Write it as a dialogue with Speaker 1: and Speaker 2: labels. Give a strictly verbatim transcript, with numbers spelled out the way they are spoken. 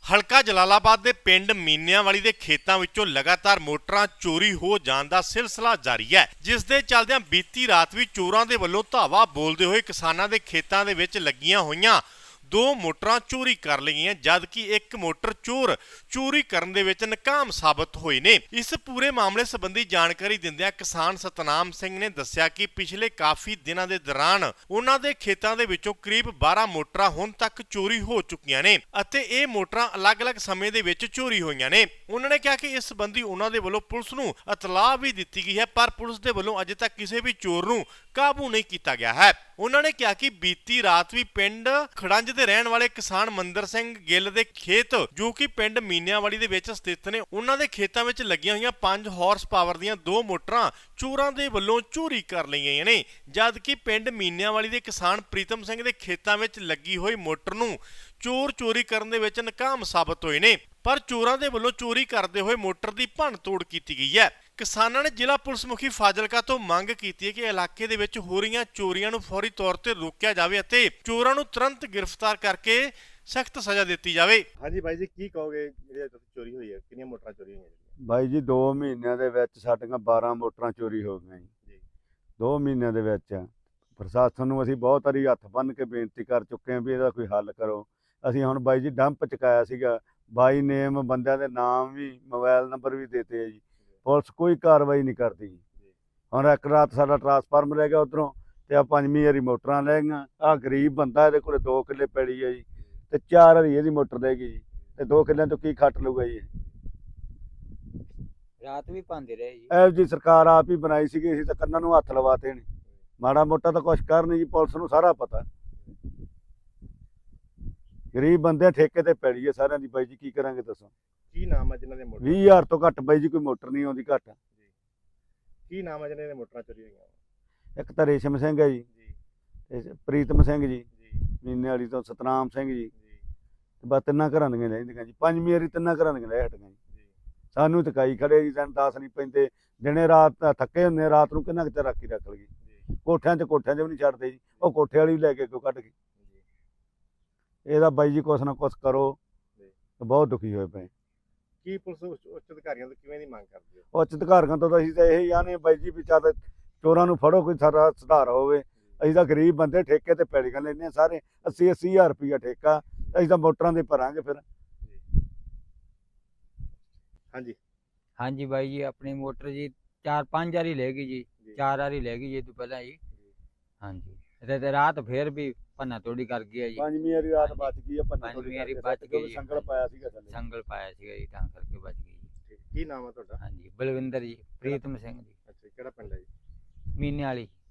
Speaker 1: ਹਲਕਾ ਜਲਾਲਾਬਾਦ ਦੇ ਪਿੰਡ ਮੀਨਿਆਂਵਾਲੀ ਦੇ ਖੇਤਾਂ ਵਿੱਚੋਂ ਲਗਾਤਾਰ ਮੋਟਰਾਂ ਚੋਰੀ ਹੋ ਜਾਣ ਦਾ ਸਿਲਸਿਲਾ ਜਾਰੀ ਹੈ, ਜਿਸ ਦੇ ਚੱਲਦਿਆਂ ਬੀਤੀ ਰਾਤ ਵੀ ਚੋਰਾਂ ਦੇ ਵੱਲੋਂ ਧਾਵਾ ਬੋਲਦੇ ਹੋਏ ਕਿਸਾਨਾਂ ਦੇ ਖੇਤਾਂ ਦੇ ਵਿੱਚ ਲੱਗੀਆਂ ਹੋਈਆਂ ਦੋ ਮੋਟਰਾਂ ਚੋਰੀ ਕਰ ਲਈਆਂ, ਜਦਕਿ ਇੱਕ ਮੋਟਰ ਚੋਰ ਚੋਰੀ ਕਰਨ ਦੇ ਵਿੱਚ ਨਾਕਾਮ ਸਾਬਤ ਹੋਏ ਨੇ। ਇਸ ਪੂਰੇ ਮਾਮਲੇ ਸੰਬੰਧੀ ਜਾਣਕਾਰੀ ਦਿੰਦਿਆਂ ਕਿਸਾਨ ਸਤਨਾਮ ਸਿੰਘ ਨੇ ਦੱਸਿਆ ਕਿ ਪਿਛਲੇ ਕਾਫੀ ਦਿਨਾਂ ਦੇ ਦੌਰਾਨ ਉਹਨਾਂ ਦੇ ਖੇਤਾਂ ਦੇ ਵਿੱਚੋਂ ਕਰੀਬ ਬਾਰਾਂ ਮੋਟਰਾਂ ਹੁਣ ਤੱਕ ਚੋਰੀ ਹੋ ਚੁੱਕੀਆਂ ਨੇ ਅਤੇ ਇਹ ਮੋਟਰਾਂ ਅਲੱਗ-ਅਲੱਗ ਸਮੇਂ ਦੇ ਵਿੱਚ ਚੋਰੀ ਹੋਈਆਂ ਨੇ। ਉਹਨਾਂ ਨੇ ਕਿਹਾ ਕਿ ਇਸ ਸੰਬੰਧੀ ਉਹਨਾਂ ਦੇ ਵੱਲੋਂ ਪੁਲਿਸ ਨੂੰ ਇਤਲਾਹ ਵੀ ਦਿੱਤੀ ਗਈ ਹੈ, ਪਰ ਪੁਲਿਸ ਦੇ ਵੱਲੋਂ ਅਜੇ ਤੱਕ ਕਿਸੇ ਵੀ ਚੋਰ ਨੂੰ ਕਾਬੂ ਨਹੀਂ ਕੀਤਾ ਗਿਆ ਹੈ। ਉਹਨਾਂ ਨੇ ਕਿਹਾ ਕਿ ਬੀਤੀ ਰਾਤ ਵੀ ਪਿੰਡ ਖੜੰਜ ਦੇ ਰਹਿਣ ਵਾਲੇ ਕਿਸਾਨ ਮੰਦਰ ਸਿੰਘ ਗਿੱਲ ਦੇ ਖੇਤ, ਜੋ ਕਿ ਪਿੰਡ ਮੀਨਿਆਂਵਾਲੀ ਦੇ ਵਿੱਚ ਸਥਿਤ ਨੇ, ਉਹਨਾਂ ਦੇ ਖੇਤਾਂ ਵਿੱਚ ਲੱਗੀਆਂ ਹੋਈਆਂ ਪੰਜ ਹਾਰਸ ਪਾਵਰ ਦੀਆਂ ਦੋ ਮੋਟਰਾਂ ਚੋਰਾਂ ਦੇ ਵੱਲੋਂ ਚੋਰੀ ਕਰ ਲਈਆਂ ਨੇ, ਜਦਕਿ ਪਿੰਡ ਮੀਨਿਆਂਵਾਲੀ ਦੇ ਕਿਸਾਨ ਪ੍ਰੀਤਮ ਸਿੰਘ ਦੇ ਖੇਤਾਂ ਵਿੱਚ ਲੱਗੀ ਹੋਈ ਮੋਟਰ ਨੂੰ ਚੋਰ ਚੋਰੀ ਕਰਨ ਦੇ ਵਿੱਚ ਨਾਕਾਮ ਸਾਬਤ ਹੋਏ ਨੇ, ਪਰ ਚੋਰਾਂ ਦੇ ਵੱਲੋਂ ਚੋਰੀ ਕਰਦੇ ਹੋਏ ਮੋਟਰ ਦੀ ਭੰਨ ਤੋੜ ਕੀਤੀ ਗਈ ਹੈ। ਕਿਸਾਨਾਂ ਨੇ ਜ਼ਿਲ੍ਹਾ ਪੁਲਿਸ ਮੁਖੀ ਫਾਜ਼ਿਲਕਾ ਤੋਂ ਮੰਗ ਕੀਤੀ ਹੈ ਕਿ ਇਲਾਕੇ ਦੇ ਵਿੱਚ ਹੋ ਰਹੀਆਂ ਚੋਰੀਆਂ ਨੂੰ ਫੌਰੀ ਤੌਰ ਤੇ ਰੋਕਿਆ ਜਾਵੇ ਅਤੇ ਚੋਰਾਂ ਨੂੰ ਤੁਰੰਤ ਗ੍ਰਿਫਤਾਰ ਕਰਕੇ ਸਖਤ ਸਜ਼ਾ ਦਿੱਤੀ ਜਾਵੇ।
Speaker 2: ਹਾਂਜੀ ਬਾਈ ਜੀ, ਕੀ ਕਹੋਗੇ ਜਿਹੜੀ ਚੋਰੀ ਹੋਈ ਹੈ, ਕਿੰਨੀਆਂ ਮੋਟਰਾਂ ਚੋਰੀ ਹੋਈਆਂ?
Speaker 3: ਬਾਈ ਜੀ ਦੋ ਮਹੀਨਿਆਂ ਦੇ ਵਿੱਚ ਸਾਡੀਆਂ ਬਾਰਾਂ ਮੋਟਰਾਂ ਚੋਰੀ ਹੋ ਗਈਆਂ ਜੀ। ਦੋ ਮਹੀਨਿਆਂ ਦੇ ਵਿੱਚ ਪ੍ਰਸ਼ਾਸਨ ਨੂੰ ਅਸੀਂ ਬਹੁਤ ਵਾਰੀ ਹੱਥ ਬੰਨ੍ਹ ਕੇ ਬੇਨਤੀ ਕਰ ਚੁੱਕੇ ਹਾਂ ਵੀ ਇਹਦਾ ਕੋਈ ਹੱਲ ਕਰੋ। ਅਸੀਂ ਹੁਣ ਬਾਈ ਜੀ ਡੰਪ ਚੁਕਾਇਆ ਸੀਗਾ, ਬਾਈ ਨੇਮ ਬੰਦਿਆਂ ਦੇ ਨਾਮ ਵੀ ਮੋਬਾਈਲ ਨੰਬਰ ਵੀ ਦਿੱਤੇ ਆ ਜੀ, ਪੁਲਿਸ ਕੋਈ ਕਾਰਵਾਈ ਨਹੀਂ ਕਰਦੀ ਜੀ। ਹੁਣ ਇੱਕ ਰਾਤ ਸਾਡਾ ਟਰਾਂਸਫਾਰਮਰ ਲੈ ਗਿਆ ਉੱਧਰੋਂ, ਤੇ ਆ ਪੰਜਵੀਂ ਵਾਰੀ ਮੋਟਰਾਂ ਲੈ ਗਈਆਂ। ਆਹ ਗਰੀਬ ਬੰਦਾ, ਇਹਦੇ ਕੋਲ ਦੋ ਕਿੱਲੇ ਪੈਲੀ ਹੈ ਜੀ, ਤੇ ਚਾਰ ਵਾਰੀ ਇਹਦੀ ਮੋਟਰ ਲੈ ਗਈ ਜੀ, ਤੇ ਦੋ ਕਿੱਲਿਆਂ ਤੋਂ ਕੀ ਖੱਟ ਲੂਗਾ ਜੀ।
Speaker 4: ਰਾਤ ਵੀ ਪਾਉਂਦੇ ਰਹੇ ਜੀ।
Speaker 3: ਇਹੋ ਜੀ ਸਰਕਾਰ ਆਪ ਹੀ ਬਣਾਈ ਸੀਗੀ, ਅਸੀਂ ਤਾਂ ਕੰਨਾਂ ਨੂੰ ਹੱਥ ਲਵਾਤੇ ਨੇ। ਮਾੜਾ ਮੋਟਾ ਤਾਂ ਕੁਛ ਕਰ ਨਹੀਂ ਜੀ, ਪੁਲਿਸ ਨੂੰ ਸਾਰਾ ਪਤਾ। ਗਰੀਬ ਬੰਦੇ ਠੇਕੇ ਤੇ ਪੈਲੀ ਹੈ ਸਾਰਿਆਂ ਦੀ ਬਾਈ ਜੀ, ਕੀ ਕਰਾਂਗੇ ਦੱਸੋ।
Speaker 2: ਕੀ ਨਾਮ ਹੈ ਜਿਨ੍ਹਾਂ ਦੇ ਮੋਟਰ?
Speaker 3: ਵੀਹ ਹਜ਼ਾਰ ਤੋਂ ਘੱਟ ਬਾਈ ਜੀ ਕੋਈ ਮੋਟਰ ਨਹੀਂ ਆਉਂਦੀ ਘੱਟ।
Speaker 2: ਕੀ ਨਾਮ ਹੈ ਜਿਨ੍ਹਾਂ ਦੇ ਮੋਟਰਾਂ ਚੋਰੀ ਹੋਈਆਂ?
Speaker 3: ਇੱਕ ਤਾਂ ਰੇਸ਼ਮ ਸਿੰਘ ਹੈ ਜੀ, ਤੇ ਪ੍ਰੀਤਮ ਸਿੰਘ ਜੀ ਮੀਨੇ ਵਾਲੀ ਤੋਂ, ਸਤਨਾਮ ਸਿੰਘ ਜੀ, ਤੇ ਬਸ ਤਿੰਨਾਂ ਘਰਾਂ ਦੀਆਂ ਲੈਂਦੀਆਂ ਜੀ। ਪੰਜਵੀਂ ਵਾਰੀ ਤਿੰਨਾਂ ਘਰਾਂ ਦੀਆਂ ਲੈ ਹਟੀਆਂ ਜੀ। ਸਾਨੂੰ ਤਕਾਈ ਖੜੇ ਜੀ, ਸਾਨੂੰ ਦੱਸ ਨਹੀਂ ਪੈਂਦੇ। ਦਿਨੇ ਰਾਤ ਥੱਕੇ ਹੁੰਦੇ, ਰਾਤ ਨੂੰ ਕਿੰਨਾ ਕੁ ਰਾਖੀ ਰੱਖ ਲਈਏ। ਕੋਠਿਆਂ 'ਚ ਕੋਠਿਆਂ 'ਚ ਵੀ ਨਹੀਂ ਛੱਡਦੇ ਜੀ, ਉਹ ਕੋਠੇ ਵਾਲੀ ਵੀ ਲੈ ਕੇ ਕਿਉਂ ਕੱਢ ਗਏ। ਇਹਦਾ ਬਾਈ ਜੀ ਕੁਛ ਨਾ ਕੁਛ ਕਰੋ, ਬਹੁਤ ਦੁਖੀ ਹੋਏ ਪਏ।
Speaker 2: ਕੀ ਪੁਲਿਸ ਉੱਚ ਅਧਿਕਾਰੀਆਂ ਤੋਂ ਕਿਵੇਂ ਦੀ ਮੰਗ ਕਰਦੀ ਹੈ?
Speaker 3: ਉੱਚ ਅਧਿਕਾਰੀਆਂ ਤੋਂ ਤਾਂ ਅਸੀਂ ਤਾਂ ਇਹੀ ਆਨੇ ਬਾਈ ਜੀ ਵੀ ਚੱਲ ਚੋਰਾਂ ਨੂੰ ਫੜੋ, ਕੋਈ ਸਾਰਾ ਸੁਧਾਰ ਹੋਵੇ। ਅਸੀਂ ਤਾਂ ਗਰੀਬ ਬੰਦੇ ਠੇਕੇ ਤੇ ਪੈਲੀਆਂ ਲੈਂਦੇ ਹਾਂ ਸਾਰੇ, ਅੱਸੀ ਅੱਸੀ ਹਜ਼ਾਰ ਰੁਪਈਆ ਠੇਕਾ, ਅਸੀਂ ਤਾਂ ਮੋਟਰਾਂ ਦੇ ਭਰਾਂਗੇ ਫਿਰ।
Speaker 2: ਹਾਂਜੀ
Speaker 4: ਹਾਂਜੀ ਬਾਈ ਜੀ, ਆਪਣੀ ਮੋਟਰ ਜੀ ਚਾਰ ਪੰਜ ਵਾਰੀ ਲੈ ਗਈ ਜੀ, ਚਾਰ ਵਾਰੀ ਲੈ ਗਈ ਜੀ ਤੋਂ ਪਹਿਲਾਂ ਜੀ। ਹਾਂਜੀ ਤੇ ਤੇ ਰਾਤ ਫੇਰ ਵੀ ਭੰਨਾ ਤੋੜੀ ਕਰ ਗਿਆ ਜੀ।
Speaker 3: ਪੰਜਵੀਂ ਵਾਰੀ ਰਾਤ ਬਚ ਗਈ ਆ,
Speaker 4: ਪੰਜਵੀਂ ਵਾਰੀ ਬਚ ਗਈ ਜੀ।
Speaker 3: ਸੰਗਲ ਪਾਇਆ ਸੀਗਾ ਥੱਲੇ,
Speaker 4: ਸੰਗਲ ਪਾਇਆ ਸੀਗਾ ਜੀ, ਤਾਂ ਕਰਕੇ ਬਚ ਗਈ ਜੀ।
Speaker 2: ਕੀ ਨਾਮ ਹੈ ਤੁਹਾਡਾ?
Speaker 4: ਹਾਂਜੀ ਬਲਵਿੰਦਰ ਜੀ, ਪ੍ਰੀਤਮ ਸਿੰਘ ਜੀ,
Speaker 2: ਅੱਛਾ, ਕਿਹੜਾ ਪਿੰਡ ਹੈ ਜੀ?
Speaker 4: ਮੀਨੇ ਵਾਲੀ।